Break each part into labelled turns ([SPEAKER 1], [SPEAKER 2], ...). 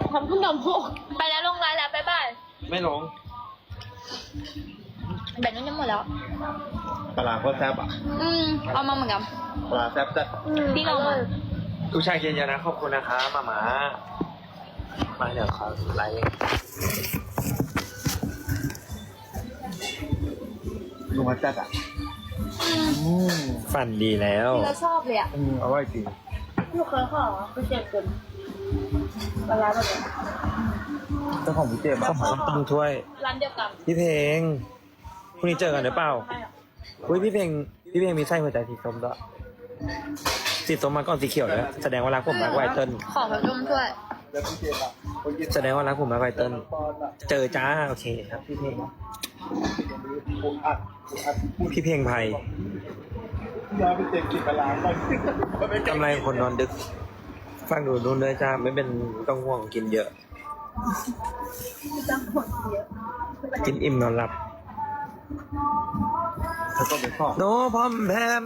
[SPEAKER 1] ทำขนมหกไปแล้วลงไลน์แล้วบ๊ายบาย
[SPEAKER 2] ไม่ลง
[SPEAKER 1] แบตนู้นจะหมดแล้ว
[SPEAKER 2] ปลาโคตรแซ่บอ่ะ
[SPEAKER 1] เอามาเหมือนกัน
[SPEAKER 2] ปลาแซ่บจัด
[SPEAKER 1] พี่ลองมา
[SPEAKER 2] ทุกชายเย็นๆนะขอบคุณนะคะมาหมามาเดี๋ยวขอไลค์ดูมาจัดอ่ะฝันดีแล้ว
[SPEAKER 1] พี่เราชอบเลยอ่ะ
[SPEAKER 2] อร่อยจริง
[SPEAKER 1] ลูกเคยขอพี่เจ็บจนเวลาแบบนี้
[SPEAKER 2] เจ้าของพี่เจมส์ข้าวต้มถ้วย
[SPEAKER 1] ร้านเดียวกัน
[SPEAKER 2] พี่เพลงพรุ่งนี้เจอกันหรือเปล่าอุ้ยพี่เพลงมีไส้หัวใจสีส้มด้วยสีส้มมาก่อนสีเขียวแล้วแสดงว่ารักผมรักไวเติ้ล
[SPEAKER 1] ขอแบบจุ่มถ้วย
[SPEAKER 2] แสดงว่ารักผมรักไวเติ้ลเจอจ้าโอเคครับพี่เพลงพี่เพลงไพกำไรคนนอนดึกฟังดูนู่นเลยจ้าไม่เป็นต้องห่วงกินเยอะ กินอิ่มนอนหลับโนพอมแพม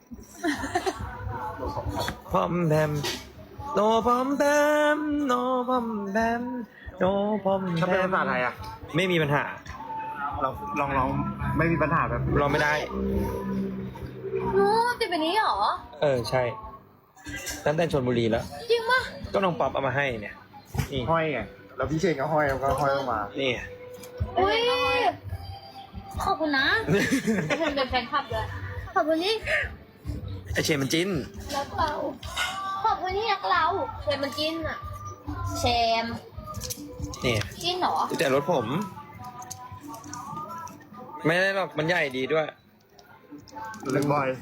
[SPEAKER 2] พอมแพมโนพอมแพมโนพอมแพมโนพอมแพมถ้าเป็นภาษาไทยอ่ะไม่มีปัญหาเราลองไม่มีปัญหาแบบลองไม่ได้
[SPEAKER 1] ติดแบบนี้เหรอ
[SPEAKER 2] ใช่ตั้งแต่ชลบุรีแล้ว
[SPEAKER 1] จริงปะ
[SPEAKER 2] ก็น้องป๊อปเอามาให้เนี่ยนี่
[SPEAKER 3] ห้อยไงแล้วพี่เชนก็ห้อยแล้วก็ห้อยออกมา
[SPEAKER 2] นี่
[SPEAKER 1] อุ้ยขอบคุณนะเป็นแฟนคลับเลยขอบคุณนี่
[SPEAKER 2] ไอเชนมันจิ้น
[SPEAKER 1] รักเราขอบคุณที่รักเราเชมมันจิ้นอ่ะเชม
[SPEAKER 2] นี่
[SPEAKER 1] จิ้นเหรอ
[SPEAKER 2] แต่รถผม ไม่ได้หรอกมันใหญ่ดีด้วย
[SPEAKER 3] เล่นบอย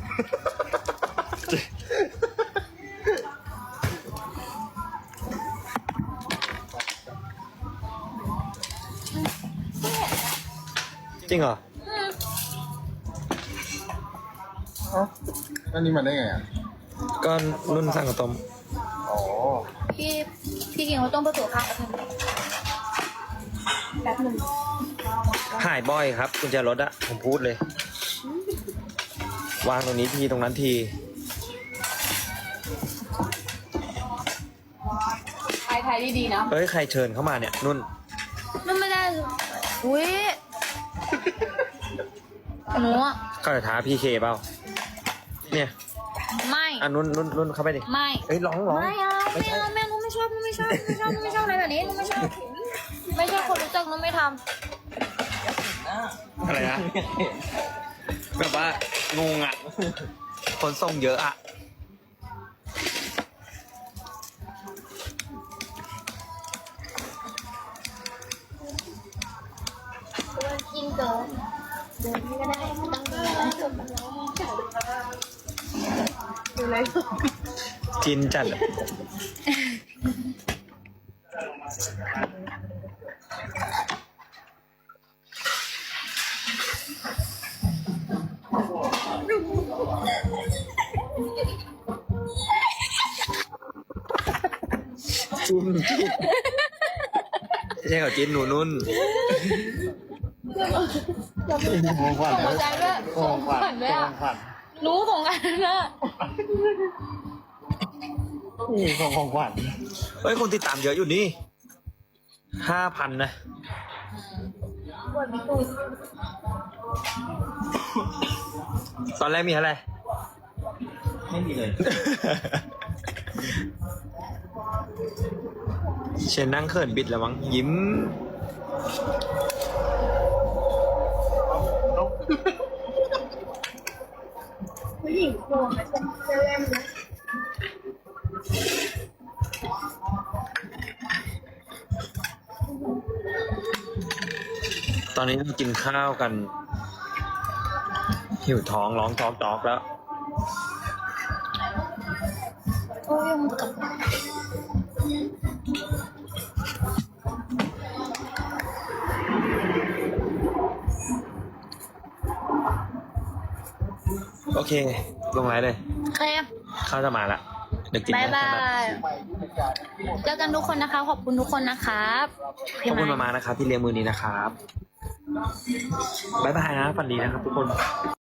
[SPEAKER 2] จริงเหรอ
[SPEAKER 3] เอ้าอันนี้มันได้ไงอ่ะ
[SPEAKER 2] ก็รุ่นสั่งกับต้ม
[SPEAKER 3] อ๋อ
[SPEAKER 1] พี่กินเขาวต้มประตูข้าวกันแบบหนึ่ง
[SPEAKER 2] หายบ่อยครับกุญแจรถอะผมพูดเลย วางตรงนี้ทีตรงนั้นที
[SPEAKER 1] ไทยดีๆนะ
[SPEAKER 2] เฮ้ยใครเชิญเข้ามาเนี่ยนุ่น
[SPEAKER 1] นั่นไม่ได้อุ้ยหนูอะ
[SPEAKER 2] ก็จะท้าพี่เคเปล่าเนี่ย
[SPEAKER 1] ไม่
[SPEAKER 2] นุ่นเข้าไปดิ
[SPEAKER 1] ไม่
[SPEAKER 2] เฮ้ยร้อง
[SPEAKER 1] ไม่เอาไม่เอาแม่หนูไม่ชอบหนูไม่ชอบอะไรแบบนี้หนูไม่ชอบไม่ใช่คนรู้จักหนูไม่ท
[SPEAKER 2] อะไรนะ แบบว่างงอ่ะ คนส่งเยอะอ่ะ
[SPEAKER 1] ำกินเกินเดินไม่ได้ต้องเดินดูเลย
[SPEAKER 2] จินจัดอะจินไม่ใช่เขาจินหนูนุ่น
[SPEAKER 3] ของขวัญ
[SPEAKER 1] ขอบใจด้วย
[SPEAKER 3] ของขวัญ
[SPEAKER 1] ด้วย
[SPEAKER 3] ข
[SPEAKER 1] อะ
[SPEAKER 3] องขวัญ
[SPEAKER 1] รู้ของกันนะ
[SPEAKER 3] นี่ของขวัญ
[SPEAKER 2] เฮ้ยคนติดตามเยอะอยู่นี่5,000นะ ตอนแรกมีอะไร ไม่มีเลย เชนนั่งเขินบิดแล้วมั้งยิ้ม
[SPEAKER 1] ผู้หญิงโครงจะเล่มนะ
[SPEAKER 2] ตอนนี้เรากินข้าวกัน หิวท้องร้องจอกแล้ว
[SPEAKER 1] โอ้ยมันกับ
[SPEAKER 2] โอเค ลงไลน์เลย
[SPEAKER 1] เค
[SPEAKER 2] ข้าวจะมาละเดี๋ยวกิน
[SPEAKER 1] บาย
[SPEAKER 2] นะ
[SPEAKER 1] บายเจอกันทุกคนนะคะ ขอบคุณทุกคนนะครับ
[SPEAKER 2] ขอบคุณมานะครับที่เลี้ยงมือนี้นะครับ บ๊ายบายนะฝันดีนะครับทุกคน